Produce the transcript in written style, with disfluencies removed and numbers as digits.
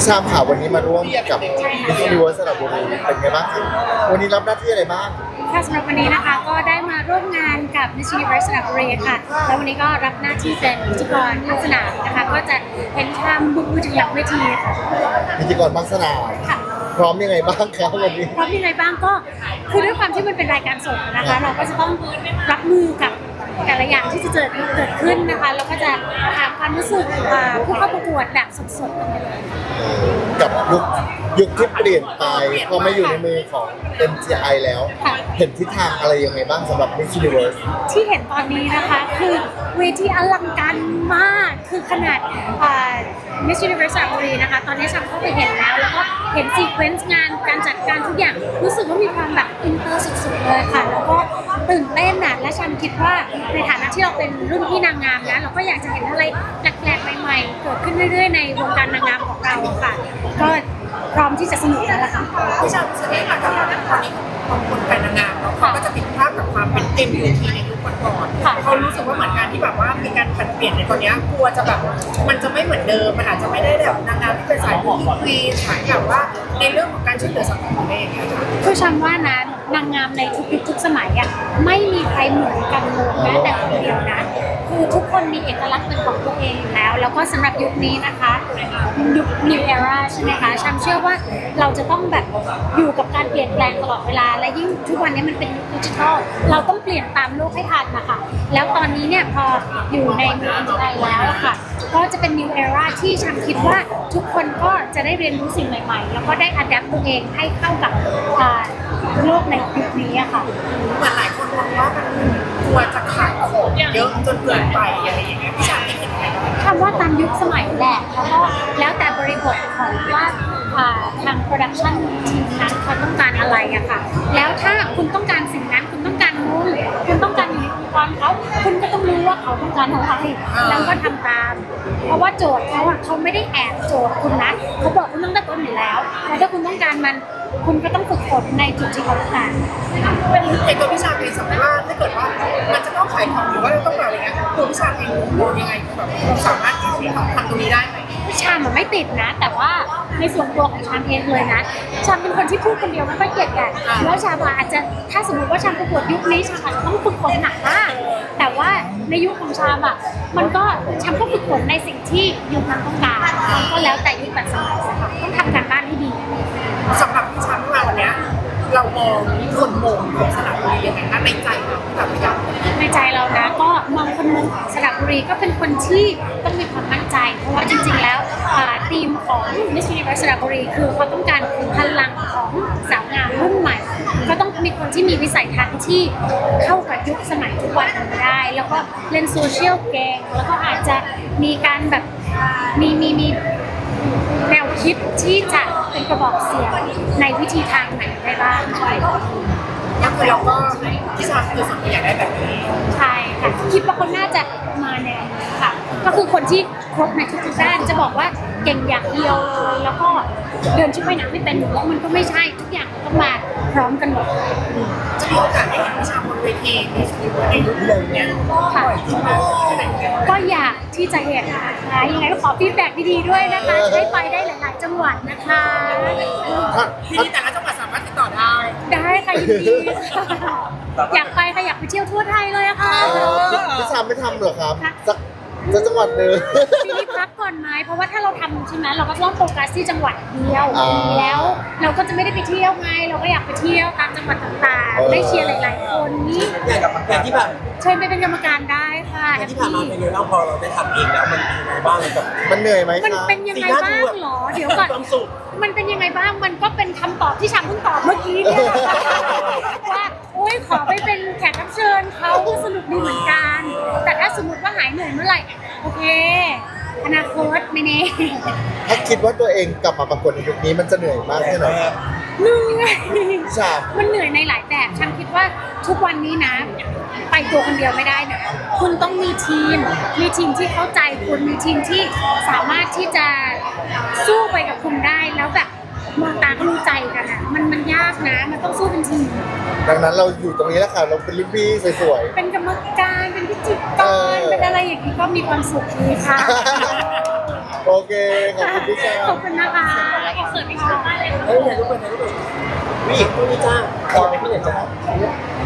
ชามข่าววันนี้มาร่วมกับมิส s ิเวิร์สระบุรีเป็นไงบ้างครับวันนี้รับหน้าที่อะไรบ้างค่ะสำหรับวันนี้นะคะก็ได้มาร่วมงานกับ Miss Universe สระบุรีค่ะแล้ววันนี้ก็รับหน้าที่เป็นพิธีกรภาคสนามนะคะก็จะเป็นทำบุกมือถึงหลังเวทีค่ะพิธีกรภาคสนามค่ะพร้อมยังไงบ้างครับวันนี้พร้อมยังไงบ้างก็คือด้วยความที่มันเป็นรายการสดนะคะ เราก็จะต้องรับมือกับแต่ละอย่างที่จะเกิดขึ้นนะคะแล้วก็จะถามความรู้สึกผู้เข้าประกวดแบบสดๆกันไปเลยกับยุคที่เปลี่ยนไปพอมาอยู่ในมือของ MGI แล้วค่ะเห็นทิศทางอะไรยังไงบ้างสำหรับ Miss Universe ที่เห็นตอนนี้นะคะคือเวทีอลังการมากคือขนาดMiss Universe สระบุรีนะคะตอนนี้ฉันเข้าไปเห็นแล้วก็เห็นซีเควนซ์งานการจัดการทุกอย่างรู้สึกว่ามีความแบบอินเตอร์สุดๆเลยค่ะแล้วก็ตื่นเต้นนะและฉันคิดว่าในฐานะที่เราเป็นรุ่นพี่นางงามนะเราก็อยากจะเห็นอะไรแปลกๆใหม่ๆเกิดขึ้นเรื่อยๆในวงการนางงามของเราค่ะก็พร้อมที่จะสนุกแล้วล่ะค่ะพี่ชารู้สึกยังไงกับตอนนี้ของคนเป็นนางงามแล้วเขาก็จะติดภาพกับความเป็น MUT ในยุคก่อนๆเขารู้สึกว่าเหมือนกันที่แบบว่ามีการผันเปลี่ยนในตอนนี้กลัวจะแบบมันจะไม่เหมือนเดิมมันอาจจะไม่ได้แบบนางงามที่เป็นสายบุคคลีสายแบบว่าในเรื่องของการช่วยเหลือสังคมเองค่ะคือฉันว่านะนางงามในทุกยุคทุกสมัยอ่ะไม่มีใครเหมือนกันเลยแม้แต่คนเดียวนะคือทุกคนมีเอกลักษณ์เป็นของตัวเองอยู่แล้วแล้วก็สำหรับยุคนี้นะคะยุค New Era ใช่ไหมคะฉันเชื่อว่าเราจะต้องแบบอยู่กับการเปลี่ยนแปลงตลอดเวลาและยิ่งทุกวันนี้มันเป็นยุคดิจิทัลเราต้องเปลี่ยนตามโลกให้ทันนะคะแล้วตอนนี้เนี่ยพออยู่ในเมืองไทยแล้วอะค่ะก็จะเป็น New Era ที่ฉันคิดว่าทุกคนก็จะได้เรียนรู้สิ่งใหม่ๆแล้วก็ได้อัดแอปตัวเองให้เข้ากับโลกในยุคนี้อะค่ะเหมือนหลายคนมองว่ามันกลัวจะขายของเยอะจนเกินไปอะไรอย่างเงี้ยพี่ชาคิดยังไงคำว่าตามยุคสมัยแหละแล้วแต่บริบทของว่าทางโปรดักชันทีมนั้นเขาต้องการอะไรอะค่ะแล้วถ้าคุณต้องการสิ่งนั้นคุณต้องการนู้นคุณต้องการอยู่ในองค์กรเขาคุณก็ต้องรู้ว่าเขาต้องการอะไรแล้วก็ทำตาม เพราะว่าโจทย์เขาอะเขาไม่ได้แอบโจทย์คุณนะเขาบอกคุณต้องได้ต้นอยู่แล้วแล้วถ้าคุณต้องการมันคุณก็ต้องฝึกฝนในจุดที่เขาต้องการเป็นตัวพี่ชาเองสมมติว่าถ้าเกิดว่ามันจะต้องขายของหรือว่าเราต้องอะไรเงี้ยตัวพี่ชาเองมองยังไงแบบสามารถที่จะทำตรงนี้ได้ไหมชามมันไม่ติดนะ แต่ว่าในส่วนตัวของชามเองเลยนะชามเป็นคนที่พูดคนเดียวไม่ค่อยเก่งกันแล้วชามอาจจะถ้าสมมติว่าชามประกวดยุคนี้ชามอาจจะต้องฝึกฝนหนักมากแต่ว่าในยุคของชามอ่ะมันก็ชามก็ฝึกฝนในสิ่งที่ยุคนั้นต้องการก็แล้วแต่ยุคแต่สมัยค่ะต้องทำการบ้านให้ดีสำหรับพี่ชาของเราวันเนี้ยเรามองคนมงของสระบุรียังไงคะในใจเราที่แบบอยากในใจเรานะก็มองคนเมืองของสระบุรีก็เป็นคนที่ต้องมีความมั่นใจ เพราะว่าจริงๆแล้วทีมของ Miss Universe สระบุรีคือเขาต้องการพลังของสาวงามรุ่นใหม่ ก็ต้องมีคนที่มีวิสัยทัศน์ที่เข้ากับยุคสมัยทุกวันนี้ได้ แล้วก็เล่นโซเชียลเก่งแล้วก็อาจจะมีการแบบมีแนวคิดที่จะเป็นกระบอกเสียงในวิธีทางไหนได้บ้างก็คือเราก็พี่ชาคือส่วนตัวอยากได้แบบนี้ใช่ค่ะคิดว่าคนน่าจะมาแนวนี้ค่ะ ก็คือคนที่ครบในทุกๆด้านจะบอกว่าเก่งอย่างเดียวเลยแล้วก็เดินชุดว่ายน้ำไม่เป็นหรือว่ามันก็ไม่ใช่ทุกอย่างมันต้องมาพร้อมกันหมดจะมีโอกาสได้เห็นพี่ชาบนเวทีในยุคเนี้ยค่ะก็อยากที่จะเห็นนะคะยังไงก็ขอฟีดแบ็กดีๆด้วยนะคะจะได้ไปได้หลายๆจังหวัดนะคะที่แต่ละจังหวัดสามารถติดต่อได้ได้ค่ะยินดีค่ะอยากไปค่ะอยากไปเที่ยวทั่วไทยเลยอะค่ะพี่ชามไม่ทำเหรอครับค่ะสักจังหวัดหนึ่งปีนี้พักก่อนไหมเพราะว่าถ้าเราทำใช่ไหมเราก็ต้องโฟกัสที่จังหวัดเดียว แล้วเราก็จะไม่ได้ไปเที่ยวไง เราก็อยากไปเที่ยวตามจังหวัดต่างๆ ได้เชียร์หลายๆคนนี่อย่างที่แบบเชิญไปเป็นกรรมการได้ค่ะแฮปที่ผ่านปี้มาเป็นไงบ้างพอเราได้ทำเองแล้วมันเป็นยังไงบ้างกับมันเหนื่อยไหมมันครับเป็นยังไงบ้างเหรอ เดี๋ยวก่อนความสุขมันเป็นยังไงบ้าง มันก็เป็นคำตอบที่ฉันเพิ่งตอบเมื่อกี้เนี่ยว่าโอ๊ยขอไปเป็นแขกรับเชิญเขาก็สนุกดีเหมือนกัน แต่ถ้าสมมติว่าหายเหนื่อยเมื่อไหร่ โอเค อนาคตไม่แน่ถ้าคิดว่าตัวเองกลับมาประกวดในยุคนี้มันจะเหนื่อยมากแค่ไหนครับเหนื่อยพี่ชามมันเหนื่อยในหลายแบบ ฉันคิดว่าทุกวันนี้นะ ไปตัวคนเดียวไม่ได้นะ คุณต้องมีทีมที่เข้าใจคุณ มีทีมที่สามารถที่จะสู้ไปกับคุณได้ แล้วแบบมองตาก็รู้ใจกันอ่ะ มันยากนะ มันต้องสู้เป็นทีมดังนั้นเราอยู่ตรงนี้แล้วค่ะ เราเป็นรุ่นพี่สวยเป็นกรรมการ เป็นพิจิตรเป็นอะไรอย่างนี้ก็มีความสุขดีค่ะๆโอเคขอบคุณพี่ชาขอบคุณนะคะขอบคุณพี่ชามากเลยค่ะเฮ้ยถ่ายรูปไปถ่ายรูปไปวิ่งพรุ่งนี้จ้าพอไหมพี่เนี่ยจ้า